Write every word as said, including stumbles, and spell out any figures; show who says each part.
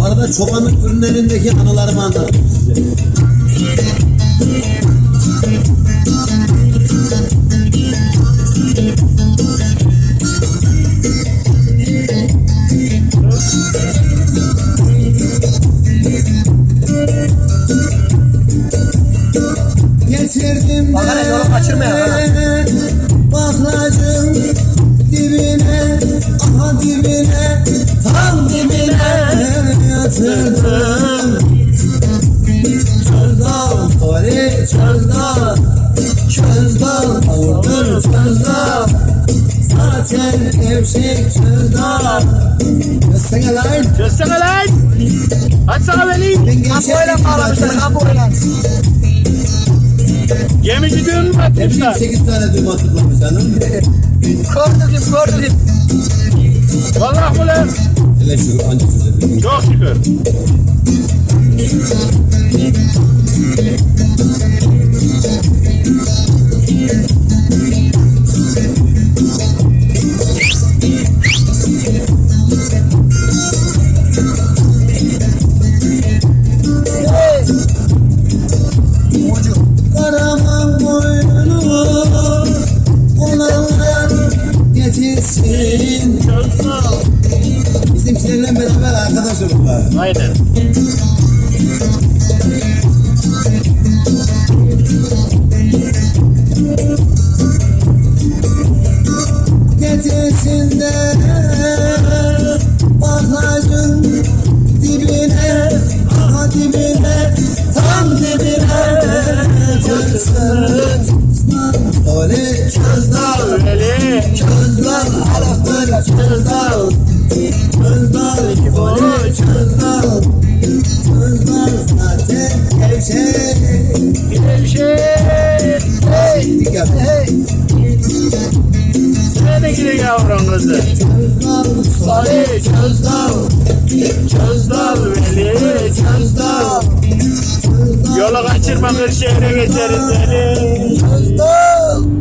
Speaker 1: Arada çobanlık ürünlerindeki anılarımı anlattım size. Getirdim
Speaker 2: Bakana yolu kaçırmayalım.
Speaker 1: baklacım dibine, aha dibine, tam dibine yatırdım. Çözdal, tori çözdal, çözdal, kavurdur çözdal. Zaten evşek çözdal. Göstene lan.
Speaker 2: Göster lan. Aç sana vereyim. Kampoyla bağlamışlar, kampoyla. Gemici düğün mü atmışlar?
Speaker 1: sekiz tane düğüm atılmış hanım.
Speaker 2: Gördüm, gördüm. Vallahi bu lan.
Speaker 1: Hele şu anca çözebildim.
Speaker 2: Çok şükür.
Speaker 1: Karaman boynunu olanlar getirsin. Bizimkilerle beraber arkadaş olurlar.
Speaker 2: Aynen.
Speaker 1: Getirsin de baklacın dibine, aha dibine, tam dibine çözsün. Öyle çözdal,
Speaker 2: Öyle.
Speaker 1: çözdal, haraftır çözdal. Çözdal, öyle çözdal. Çözdal zaten gevşek.
Speaker 2: Gevşek. Hey.
Speaker 1: Dikkat et.
Speaker 2: Nerede gidiyor yavrum kızı?
Speaker 1: Çözdal,
Speaker 2: Salih çözdal. Çözdal veli çözdal. Yolu kaçırma, Kırşehir'e geçeriz seni.
Speaker 1: çözdal.